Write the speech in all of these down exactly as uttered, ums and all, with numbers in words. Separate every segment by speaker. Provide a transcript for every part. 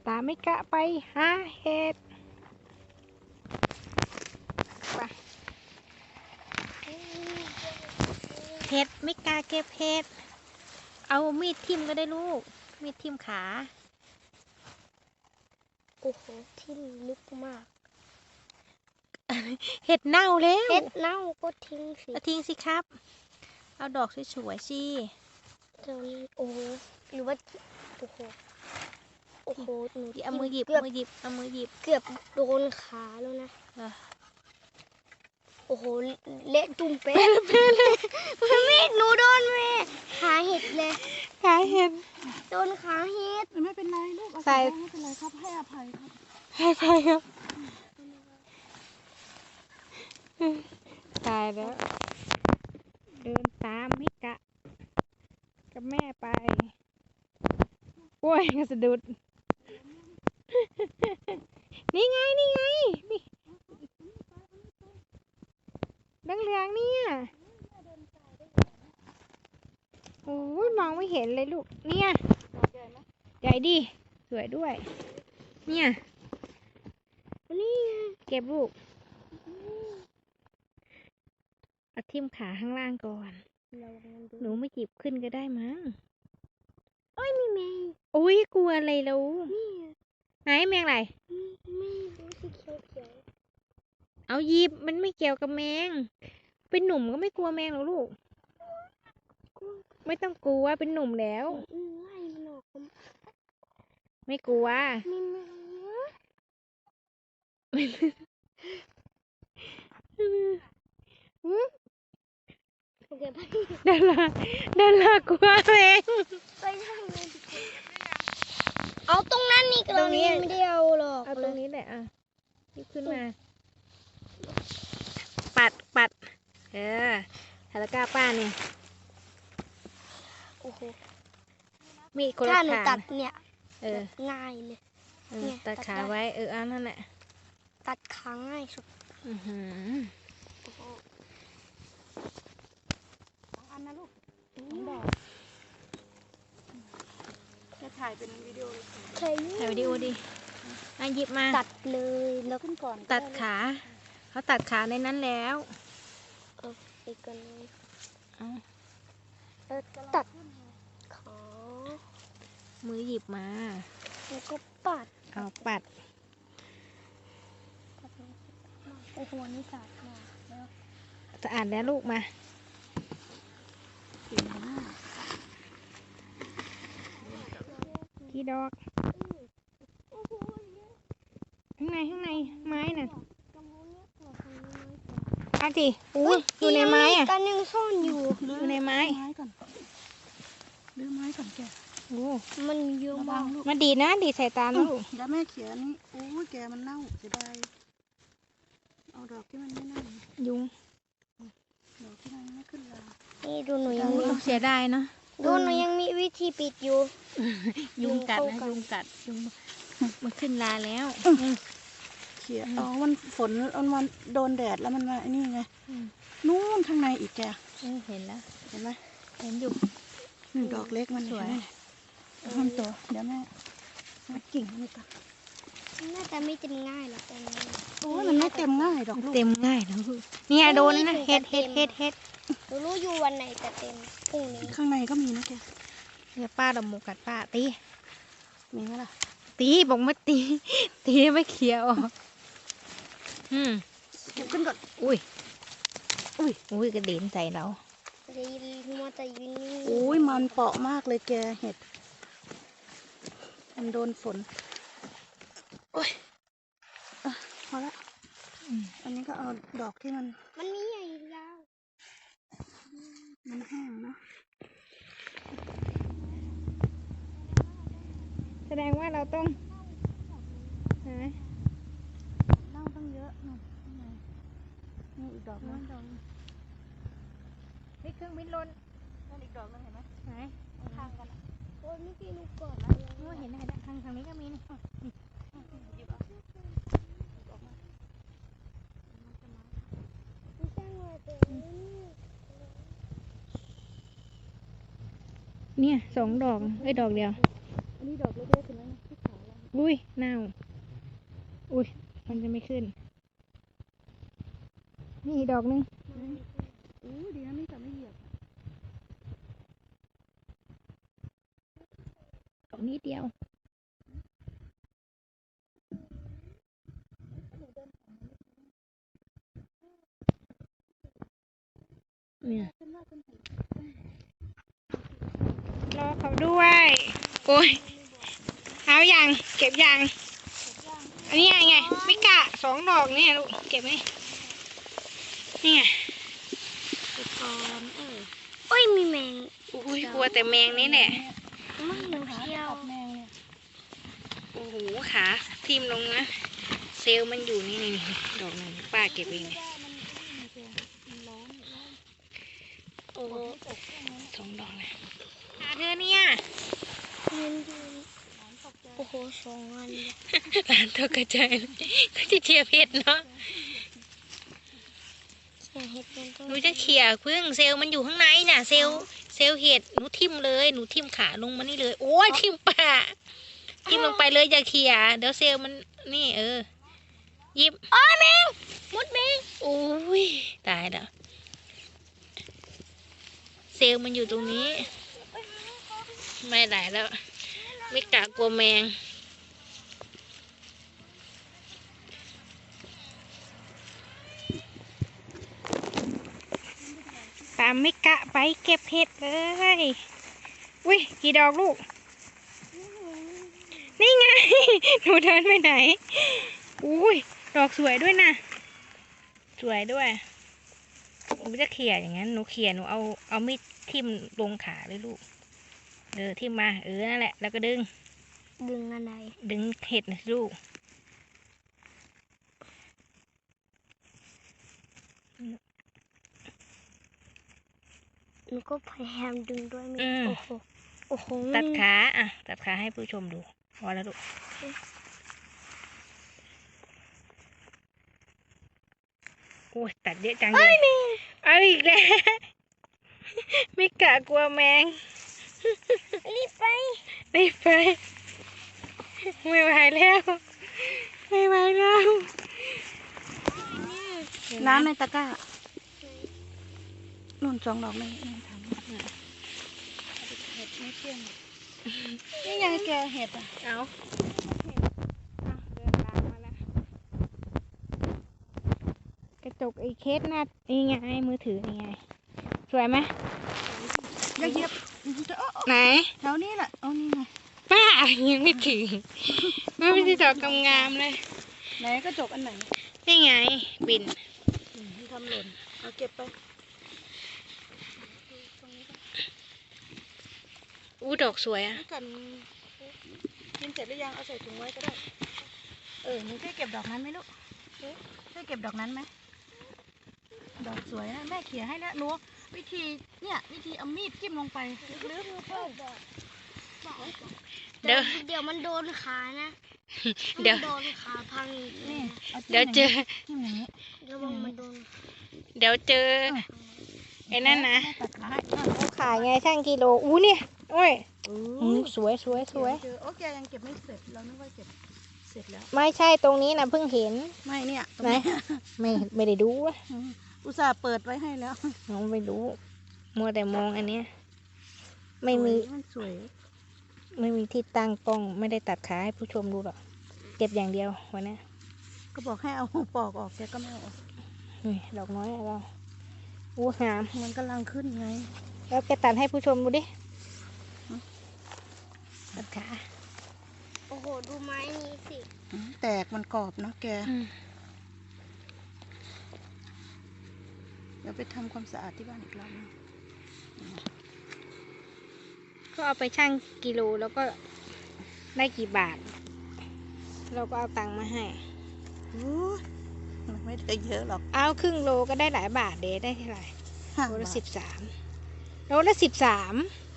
Speaker 1: ตามไม่กะไปหาเห็ดไปเห็ดไม่กล้าเก็บเห็ดเอามีดทิ่มก็ได้ลูกมีดทิ่มขา
Speaker 2: โอ้โหทิ่มลึกมาก
Speaker 1: เห็ดเน่าแล้ว
Speaker 2: เห็ดเน่าก็ทิ้งสิ
Speaker 1: เอาทิ้งสิครับเอาดอกสวยๆสิ
Speaker 2: ตอนนี้โอ้โหหรือว่าโอ้โหโอ้โหหนู
Speaker 1: เอามือหยิบ
Speaker 2: เกือบ
Speaker 1: มือหยิบเอามือหยิบ
Speaker 2: เกือบโดนขาแล้วนะ
Speaker 1: เออ
Speaker 2: โอ้โหเละตุ่มเป๊ะเลยมีดหนูโดนแม่ขาเห็ดเลย
Speaker 1: ขาเห็ด
Speaker 2: โดนขาเห็ด
Speaker 3: ไม่เป็นไรลูกเอา
Speaker 1: ใส่
Speaker 3: ไม่เป็นไรครับให้อภัยครับ
Speaker 1: ให้ไปครับตายแล้วเดินตามมิกะกับแม่ไปโอ้ยกระสะดุดนี่ไงนี่ไงนี่ดังเหลืองเนี่ยโอ้ยมองไม่เห็นเลยลูกเนี่ยใหญ่ดิสวยด้วยเนี่ยนี่เก็บลูกเอาทิ่มขาข้างล่างก่อนหนูไม่หยิบขึ้นก็ได้มั้ง
Speaker 2: โอ้ยมีแมง
Speaker 1: อุ้ยกลัวอะไรแล้ว
Speaker 2: นี่
Speaker 1: ไหนแมงอะไร
Speaker 2: ไม่รู้สีเขียวเขียว
Speaker 1: เอาหยิบมันไม่เกี่ยวกับแมงเป็นหนุ่มก็ไม่กลัวแมงหรอกลูกไม่ต้องกลัวเป็นหนุ่มแล้ว
Speaker 2: ไล่มันออก
Speaker 1: ไม่กลัว
Speaker 2: มีแมงเยอะโอเคไป
Speaker 1: ดาราดารากลัวแมง
Speaker 2: ไปทางนี้เอาตรงนั้นนี่ตรงนี้ไม่ได้เอาหรอก
Speaker 1: เอาตรงนี้แหละอ่ะหยิบขึ้นมา ปัดปัดเออทาราก้าป้าเนี่ย
Speaker 2: โอ้โห
Speaker 1: มีดคนละ
Speaker 2: ถ้าหนู
Speaker 1: ขา
Speaker 2: ตัดเนี่ย
Speaker 1: เออ
Speaker 2: ง่ายเลย
Speaker 1: เออ
Speaker 2: เนี่ย
Speaker 1: ตัด
Speaker 2: ตัด
Speaker 1: ขา
Speaker 2: ได้
Speaker 1: ไว้เอออันนั่นแหละ
Speaker 2: ตัดขาง่ายสุด
Speaker 1: อือหือ
Speaker 2: โอ้โห
Speaker 3: สองอันนะลูกสองดอกจะถ่ายเป็นวิดีโอเลย
Speaker 2: ใช่
Speaker 1: ถ่ายวิดีโอดิอ่ะหยิบมา
Speaker 2: ตัดเลยแล้ว
Speaker 3: ขึ้นก่อน
Speaker 1: ตัดขาเขาตัดขาในนั้นแล้ว
Speaker 2: เอาอีกกันเลย
Speaker 1: เอา
Speaker 2: เออตัดขา
Speaker 1: มือหยิบมา
Speaker 2: แล้วก็ปัด
Speaker 1: เอาปัด
Speaker 2: โอ้โหนี่สาดมากแล้ว
Speaker 1: สะอาดแล้วลูกมา กี่ดอก ข้างในข้างในไม้น่ะเอาสิอุ้ยอยู่ในไม้อ่ะ
Speaker 2: กันยังซ่อนอยู่
Speaker 1: อยู่ในไม้
Speaker 3: ไม้ก่อนลื้อไม้ก่อนแก
Speaker 1: โอ้
Speaker 2: มันเยอะ
Speaker 3: ระวั
Speaker 2: มาง ก
Speaker 3: ลูก
Speaker 1: มาดีดนะดีดใส่ตานะลูก
Speaker 3: แล้วแม่เขียนนี่โอ้ยแกมันเน่าเสียดายเอาดอกที่มันไม่เน่า
Speaker 1: ยุง
Speaker 3: ดอกที่มันไม่ขึ้นรา
Speaker 2: นี่ดูหนูยังมี
Speaker 1: เสียดายเนาะ
Speaker 2: ดูหนูยังมีวิธีปิดอยู่
Speaker 1: ยุงกัด
Speaker 2: ยุง
Speaker 1: นะ
Speaker 2: เข้ากัน
Speaker 1: ยุงกัดยุงมันขึ้นลาแล้ว
Speaker 3: เขียอ๋อมันฝนมันมันโดนแดดแล้วมันมาไอ้นี่ไง
Speaker 1: อืม
Speaker 3: นู่นข้างในอีกแก
Speaker 1: เออเห็นแล้ว
Speaker 3: เห็นไหม
Speaker 1: เห็นอยู่
Speaker 3: หนึ่งดอกเล็กมัน
Speaker 1: สวย
Speaker 3: เห็นไหมมันโตเดี๋ยวแม่แม่กิ่งมันตัด
Speaker 2: น่าจะไม่เต็มง่ายหรอกตรงนี้
Speaker 3: โอ้ยมันไม่เต็มง่ายดอกลูก
Speaker 1: เต็มง่ายนะลูกเนี่ยโดนนะเฮ็ดเฮ็ดเฮ็ดเฮ็ด
Speaker 2: หนูรู้อยู่วันไหนจะเต็มพรุ่งนี้
Speaker 3: ข้างในก็มีนะแก
Speaker 1: เนี่ยป้าดำหมูกัดป้าตี
Speaker 3: มีไหมล่ะ
Speaker 1: ตีบอกมาตี ตีไม่เคลียร์ออกอืม
Speaker 3: เก็บขึ้นก่อน
Speaker 1: อุ้ยอุ้ยอุ้ยกระเด็นใส่เรา
Speaker 2: จะยืนมัวแต่ยืนนิ่งๆ
Speaker 3: โอ้ยมันเปาะมากเลยแกเห็ดมันโดนฝนโอ้ยอ่ะพอละ
Speaker 1: อืม
Speaker 3: อันนี้ก็เอาดอกที่มัน
Speaker 2: มันมีใหญ่ยาว
Speaker 3: มันแห้งเนาะ
Speaker 1: แสดงว่าเราต้องหา
Speaker 3: เน่าตั้งเยอะนู่นข้างในนี่อีกดอกนึง
Speaker 1: นี่เครื่องบินลน
Speaker 3: นั่นอีกดอกนึงเห็นไหม
Speaker 1: ไหน
Speaker 3: ข้างกันอะ
Speaker 2: โอ้ยเมื่อกี้หนูกด
Speaker 1: โอ้เห็นเห็นทางทางนี้ก็มีนี่
Speaker 3: หยิบเอาดอกมา
Speaker 2: ไม่ใช่หนูเต็ม
Speaker 1: เนี่ยสองดอกเอ้ยดอกเดียว
Speaker 3: อันนี้ดอกเล็กๆเห็นไหมที่ขาเรา
Speaker 1: อุ้ยเน่าอุ้ยมันจะไม่ขึ้นนี่ดอกนึง
Speaker 3: อู้ดีนะนี่จะไม่เหยียบ
Speaker 1: ดอกนี้เดียวเนี่ยรอเขาด้วยโอ้ยเอาอย่างเก็บอย่างอันนี้ไงไงไม่กะสองดอกเนี่ยลูกเก็บไหมนี่ไง
Speaker 2: ไปก่อนเออโอ้ยมีแมง
Speaker 1: อุ้ยกลัวแต่แมงนี่แหละ
Speaker 2: ไม่หนูเที่ยว
Speaker 3: ตับแมงเนี่ย
Speaker 1: โอ้โหขาทิ่มลงนะเซลล์มันอยู่นี่นี่นี่ดอกหนึ่งป้าเก็บเองเนี่ยโอ้สองดอกเลยหาเธอเนี่ย
Speaker 2: เงินยืนโอ้โหสองอันเลย
Speaker 1: หลานตกกระจายเลยก็จะเชียร์เพชรเนาะ
Speaker 2: เสียเห็ดเป็นต้น
Speaker 1: หนูจะเขี่ยพึ่งเซลล์มันอยู่ข้างในน่ะเซลล์เซลล์เห็ดหนูทิ่มเลยหนูทิ่มขาลงมานี่เลยโอ้ยทิ่มป่าทิ่มลงไปเลยอย่าเขี่ยเดี๋ยวเซลล์มันนี่เออหยิบ
Speaker 2: โอ้ยแมงมดแมง
Speaker 1: โอ้ยตายแล้วเซลล์มันอยู่ตรงนี้ไม่ได้แล้วไม่กะกลัวแมงตามไม่กะไปเก็บเห็ดเลยอุ้ยกี่ดอกลูกนี่ไง หนูเดินไปไหนอุ้ยดอกสวยด้วยนะสวยด้วยหนูจะเขี่ยอย่างนั้นหนูเขี่ยหนูเอาเอามีดทิ่มลงขาเลยลูกเออทิ่มมาเออนั่นแหละแล้วก็ดึง
Speaker 2: ดึงอะไร
Speaker 1: ดึงเห็ดนะลูก
Speaker 2: หนูก็พยายามดึงด้วยไม่
Speaker 1: อืม
Speaker 2: โอ้โหโอ้โห
Speaker 1: ตัดขาอ่ะตัดขาให้ผู้ชมดูพอแล้วลูกโอ้ยตัดเยอะจังเลยเอาอีกแล้ว ไม่กะกลัวแมง
Speaker 2: รีบไป
Speaker 1: รีบไปไม่ไหวแล้วไม่ไหวแล้ว
Speaker 3: น้ำในตะกร้านุ่นสองดอกไม่ไม่ทำเห็ดไม่เที่ยงนี่ยังแกเห็ดอ่ะ
Speaker 1: เอาเอาเดินตามมาแล้วกระจกไอ้เคสหน้านี่ไงมือถือนี่ไงสวยไหม
Speaker 3: อย่าเหยียบจะเอา
Speaker 1: ไหน
Speaker 3: แถวนี้แหละเอานี่ไง
Speaker 1: ป้ายังไม่ถึงไม่ไม่ได้ดอกงามๆเลย
Speaker 3: ไหนกระจกอันไหน
Speaker 1: นี่ไงบิน
Speaker 3: อืมที่ทำหล่นเอาเก็บไป
Speaker 1: อู้ดอกสวยอ่ะ
Speaker 3: ให้กันกินเสร็จหรือยังเอาใส่ถุงไว้ก็ได้เออหนูช่วยเก็บดอกนั้นไหมลูกช่วยเก็บดอกนั้นไหมดอกสวยนะแม่เขี่ยให้แล้วหนูวิธีเนี่ยวิธีเอามีดจิ้มลงไปลึกๆเพิ่ม
Speaker 1: เดี๋ยว
Speaker 2: เดี๋ยวมันโดนขานะ
Speaker 1: เดี๋ยว
Speaker 2: มันโดนขาพังอีก
Speaker 3: นี่
Speaker 2: นี่
Speaker 3: อาจิ้ม
Speaker 1: เดี๋ยวเจอ
Speaker 3: จิ้มอย่างนี้
Speaker 2: เดี๋ยวมันโดน
Speaker 1: เดี๋ยวเจอไอ้นั่นนะ
Speaker 3: แม่ตัดขาให้
Speaker 1: เขาขายไงช่างกิโลอู้เนี่ยโอ้ยอืมสวยสวยสวย
Speaker 3: เจอโอเคยังเก็บไม่เสร็จเรานึกว่าเก็บเสร็จแล้ว
Speaker 1: ไม่ใช่ตรงนี้นะเพิ่งเห็น
Speaker 3: ไม่เนี่ยตรง
Speaker 1: ไหน
Speaker 3: นี้
Speaker 1: ไม่ไม่ได้ดูอะ
Speaker 3: อืมอุตส่าห์เปิดไว้ให้แล้ว
Speaker 1: น้องไม่รู้มัวแต่มองอันเนี้ยไม่มี
Speaker 3: สวยมันสวย
Speaker 1: ไม่มีที่ตั้งกล้องไม่ได้ตัดขาให้ผู้ชมดูหรอกเก็บอย่างเดียววันนี้
Speaker 3: ก็บอกให้เอาปอกออกแกก็ไม่เอาออก
Speaker 1: นี่ดอกน้อยอะเราอู้งาม
Speaker 3: มันกำลังขึ้นไง
Speaker 1: แล้วแกตัดให้ผู้ชมดูดิตัดขา
Speaker 2: โอ้โหดูไม้นี้สิ
Speaker 3: อืมแตกมันกรอบเนาะแก
Speaker 1: อืม
Speaker 3: เดี๋ยวไปทำความสะอาดที่บ้านอีกรอบนึง
Speaker 1: ก็เอาไปชั่งกิโลแล้วก็ได้กี่บาท เราก็เอาตังค์มาให้
Speaker 3: อู้มันไม่ได้เยอะหรอก
Speaker 1: เอาครึ่งโลก็ได้หลายบาทเดได้เท่าไหร่
Speaker 3: ห้า
Speaker 1: โลละ
Speaker 3: บาท
Speaker 1: สิบสามโลละสิบสาม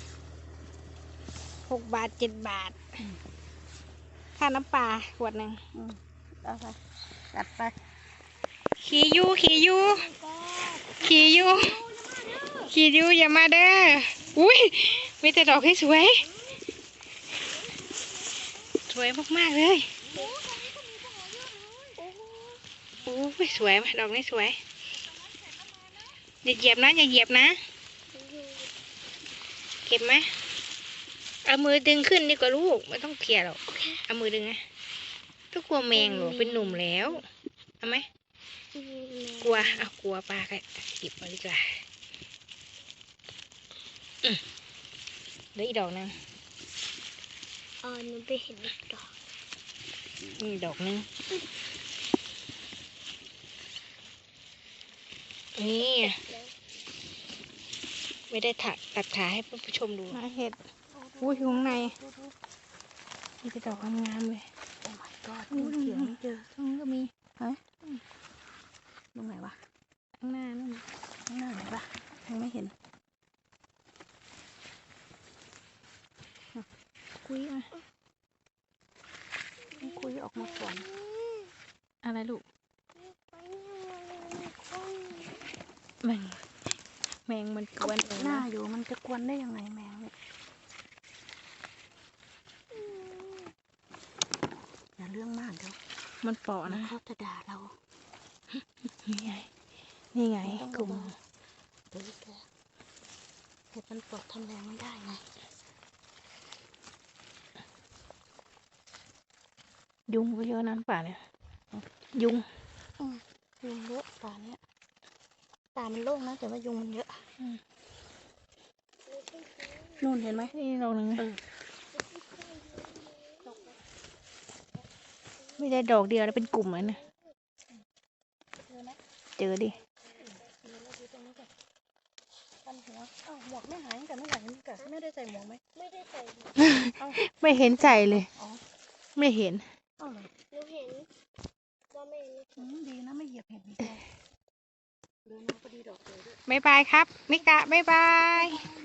Speaker 1: หกบาทเจ็ดบาทค่าน้ำปลาขวดหนึ่ง
Speaker 3: อืมเอาไปจัดไป
Speaker 1: ขี่ยูขี่ยูขี่ยูขี่ยูอย่ามาเด้ออุ้ยมีแต่ดอกให้สวยสวยมากๆเลย โอ้ยสวยไหมดอกนี้สวย อย่าเหยียบนะอย่าเหยียบนะ เก็บไหมเอามือดึงขึ้นดีกว่าลูกไม่ต้องเขี่ยหรอกเอามือดึงไงก็กลัวแมงหรอเป็นหนุ่มแล้วเอาไหมกลัวเอากลัวปลาก็เก็บมาดีกว่าอืมเหลืออีกดอกนึง
Speaker 2: เออหนูไปเห็นอีกดอก
Speaker 1: นี่ดอกนึงนี่ไม่ได้ถักตัดขาให้ผู้ชมดูเห็ดอุ้ยอยู่ข้างในนี่เป็นดอกงามๆเลย
Speaker 3: โอ้ my god ยังเขียนไม่เจอ
Speaker 1: ตรงนี้ก็มี
Speaker 3: ตรงไหนวะ
Speaker 1: ข้างหน้านั่น
Speaker 3: ข้างหน้าไหนปะยังไม่เห็น
Speaker 1: คุยมา
Speaker 3: ต้องคุยออกมาก่อน
Speaker 1: อะไรลูกแมงแมงมันกวนเอง
Speaker 3: หน้า
Speaker 1: นะ
Speaker 3: อยู่มันจะกวนได้ยังไงแมงเนี่ยอย่าเรื่องมากเดี๋ยว
Speaker 1: มันเปาะนะ
Speaker 3: เขาจะด่าเรา
Speaker 1: นี่ไงนี่ไง
Speaker 3: ต้อง
Speaker 1: กลุ่ม
Speaker 3: เดี๋ยวแกเห็ดมันปลดทำแรงไม่ได้ไง
Speaker 1: ยุงก็เยอะน้ำป่าเนี่ยยุง
Speaker 3: ยุงเยอะป่าเนี้ยป่ามันโล่งนะแต่ว่ายุงมันเยอะนู่นเห็นไหม
Speaker 1: นี่ดอกหนึ่งนะ
Speaker 3: เออ
Speaker 1: ไม่ได้ดอกเดียวแล้วเป็นกลุ่มเลยนะเจอดิ
Speaker 3: ปันหัวอ้าวหมวกไม่หายตั้งแต่เมื่อไหร่นี่กะไม่ได้ใส่หมวกไหม
Speaker 2: ไม่ได้ใส่
Speaker 1: ไม่เห็นใจเลย
Speaker 3: อ๋อ
Speaker 1: ไม่เห็น
Speaker 3: อ้าวเหรอ
Speaker 2: หนูเห็นว่าไม่
Speaker 3: อืมดีนะไม่เหยียบเห็ดดีกว่าเดินมาพอดีดอกเลยด้วย
Speaker 1: บ๊ายบายครับมิกะบ๊ายบาย